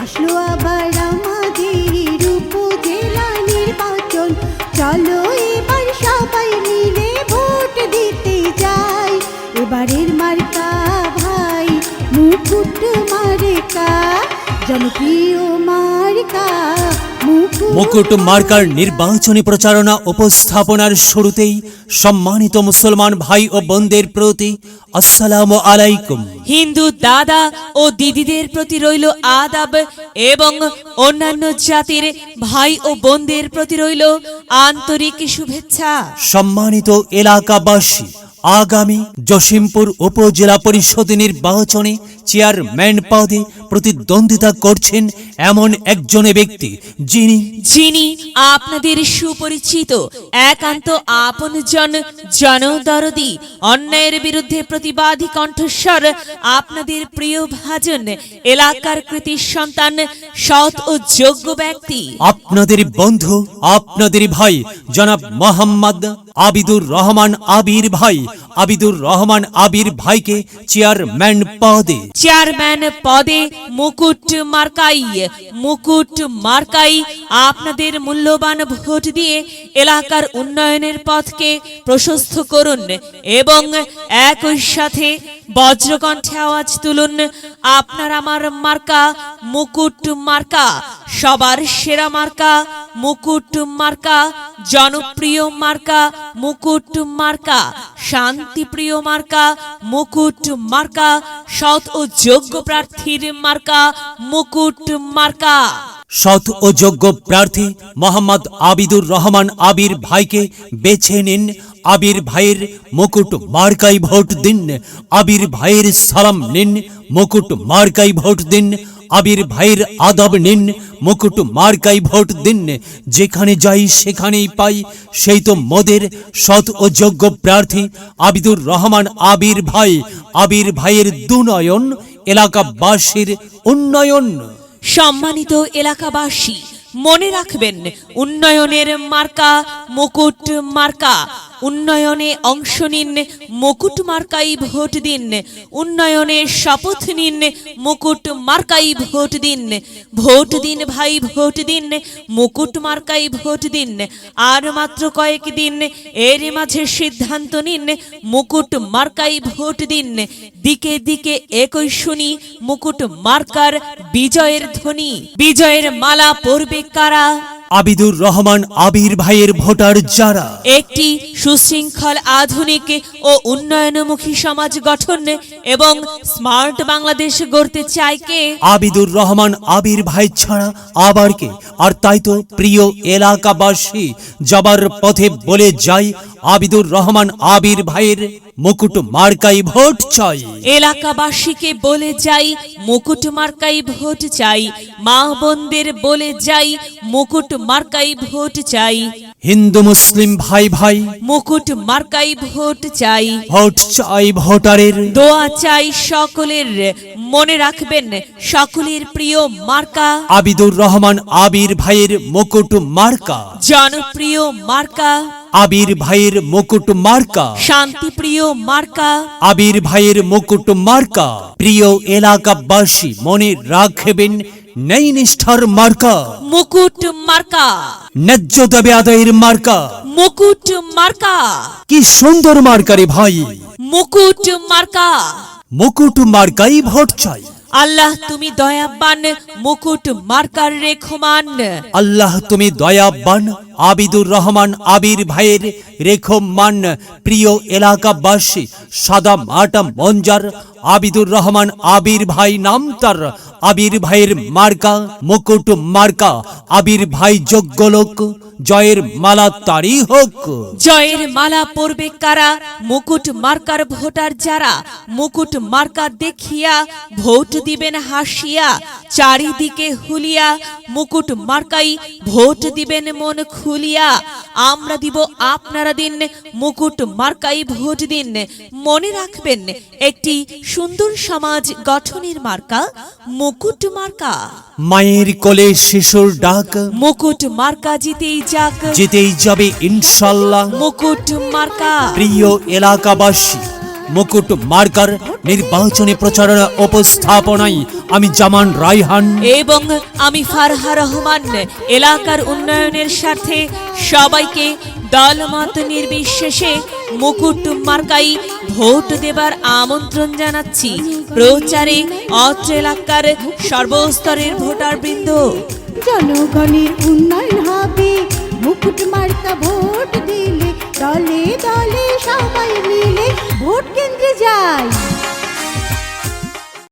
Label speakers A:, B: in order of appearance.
A: আসলো আবার আমাদের উপজেলা নির্বাচন, চলো এবার সবাই মিলে ভোট দিতে যাই। এবারের মার্কা ভাই মুকুট মার্কা, জনপ্রিয় মার্কা
B: মুকুট মার্কার নির্বাচনী প্রচারণা উপস্থাপনার শুরুতেই সম্মানিত মুসলমান ভাই ও বোনদের প্রতি আসসালামু আলাইকুম।
C: হিন্দু দাদা ও দিদিদের প্রতি রইল আদাব এবং অন্যান্য জাতির ভাই ও বোনদের প্রতি রইল আন্তরিক শুভেচ্ছা।
B: সম্মানিত এলাকাবাসী, আগামী জসিমপুর উপজেলা পরিষদ নির্বাচনে চেয়ারম্যান পদে প্রতিদ্বন্দ্বিতা করছেন এমন একজন ব্যক্তি যিনি
C: আপনাদের সুপরিচিত, একান্ত আপনজন, জনদরদি, অন্যায়ের বিরুদ্ধে প্রতিবাদী কণ্ঠস্বর, আপনাদের প্রিয় ভাজন, এলাকার কৃতি সন্তান, সৎ ও যোগ্য ব্যক্তি,
B: আপনাদের বন্ধু, আপনাদের ভাই জনাব মোহাম্মদ আবিদুর রহমান আবির ভাই। আবিদুর রহমান আবির ভাইকে চেয়ারম্যান পদে মুকুট মার্কাই আপনাদের মূল্যবান ভোট দিয়ে এলাকার উন্নয়নের পথকে প্রশস্ত করুন এবং একই সাথে বজ্রকণ্ঠে আওয়াজ তুলুন, আপনার আমার মার্কা মুকুট মার্কা, সবার সেরা মার্কা মুকুট মার্কা, জনপ্রিয় মার্কা মুকুট মার্কা, শান্তিপ্রিয় মার্কা মুকুট মার্কা, সৎ ও যোগ্য প্রার্থীর মার্কা মুকুট মার্কা। সৎ ও যোগ্য প্রার্থী মোহাম্মদ আবিদুর রহমান আবির ভাইকে বেছে নিন। আবির ভাইয়ের মুকুট মার্কাই ভোট দিন। আবির ভাইয়ের সালাম নিন, মুকুট মার্কাই ভোট দিন। আবির ভাইয়ের আদব নিন, মুকুট মার্কাই ভোট দিন। যেখানে যাই সেখানেই পাই, সেই তো মোদের সৎ ও যোগ্য প্রার্থী আবিদুর রহমান আবির ভাই। আবির ভাইয়ের দুনয়ন, এলাকাবাসীর উন্নয়ন।
C: সম্মানিত এলাকাবাসী, মনে রাখবেন, উন্নয়নের মার্কা মুকুট মার্কা। উন্নয়নে অংশ নিন, মুকুট মার্কাই ভোট দিন। উন্নয়নে শপথ নিন, মুকুট মার্কাই ভোট দিন। ভোট দিন ভাই, ভোট দিন, মুকুট মার্কাই ভোট দিন। আর মাত্র কয়েকদিন, এর মাঝে সিদ্ধান্ত নিন, মুকুট মার্কাই ভোট দিন। দিকে দিকে একই শুনি মুকুট মার্কার বিজয়ের ধ্বনি। বিজয়ের মালা পরবে কারা?
B: আবিদুর রহমান আবির ভাইয়ের ভোটার যারা
C: একটি সুশৃঙ্খল, আধুনিক ও উন্নয়নমুখী সমাজ গঠন এবং স্মার্ট বাংলাদেশ গড়তে চায় কে?
B: আবিদুর রহমান আবির ভাই ছাড়া আবার কে? আর তাই তো প্রিয় এলাকাবাসী, যাবার পথে বলে যাই, আবিদুর রহমান আবির ভাইয়ের মুকুট মার্কাই ভোট চাই।
C: এলাকাবাসীকে বলে যাই, মুকুট মার্কাই ভোট চাই। মা বোনদের বলে যাই, মুকুট মার্কাই ভোট চাই।
B: হিন্দু মুসলিম ভাই ভাই,
C: মুকুট মার্কাই ভোট চাই।
B: ভোট চাই ভোটারের,
C: দোয়া চাই সকলের। মনে রাখবেন, সকলের প্রিয় মার্কা
B: আবিদুর রহমান আবির ভাইয়ের মুকুট মার্কা,
C: জনপ্রিয় মার্কা
B: আবির ভাইয়ের মুকুট মার্কা,
C: শান্তিপ্রিয় মার্কা
B: আবির ভাইয়ের মুকুট মার্কা। প্রিয় এলাকাবাসী, মনে রাখবেন, নেই নিষ্ঠার মার্কা
C: মুকুট মার্কা,
B: ন্যায্য দাবি আদায়ের মার্কা
C: মুকুট মার্কা।
B: কি সুন্দর মার্কারে ভাই,
C: মুকুট মার্কা।
B: মুকুট মার্কাই ভোট চাই।
C: আল্লাহ তুমি দয়াবান, মুকুট মার্কার রেখমান।
B: আল্লাহ তুমি দয়াবান, আবিদুর রহমান আবির ভাইয়ের রেখমান। প্রিয় এলাকাবাসী, সাদা মাটা মঞ্জার আবিদুর রহমান আবির ভাই নাম তার। আবির ভাইয়ের মার্কা মুকুট মার্কা। আবির ভাই যোগ্য লোক, জয়ের মালা তারই হোক।
C: জয়ের মালা পরবে কারা? মুকুট মার্কার ভোটার যারা। মুকুট মার্কা দেখিয়া ভোট দিবেন হাসিয়া, চারিদিকে হুলিয়া। মুকুট মার্কাই ভোট দিবেন মন খুলিয়া। আমরা দিব, আপনারা দিন, মুকুট মার্কাই ভোট দিন। মনে রাখবেন, একটি সুন্দর সমাজ গঠনের মার্কা মুকুট মার্কা।
B: মায়ের কোলে শিশুর ডাক,
C: মুকুট মার্কা জিতেই যাক,
B: জিতেই যাবে ইনশাল্লাহ।
C: মুকুট মার্কা।
B: প্রিয় এলাকাবাসী,
D: মুকুট মার্কার নির্বাচনী প্রচারণা উপস্থাপনায় আমি জামান রায়হান
C: এবং আমি ফারহা রহমান এলাকার উন্নয়নের স্বার্থে সবাইকে দলমত নির্বিশেষে মুকুট মার্কাই ভোট দেবার আমন্ত্রণ জানাচ্ছি। প্রচারে অত্র এলাকার সর্বস্তরের ভোটারবৃন্দ।
A: জনগণের উন্নয়ন হবে মুকুট মার্কা ভোট দিলে, দলে দলে সবাই মিলে ভোট কেন্দ্রে যায়।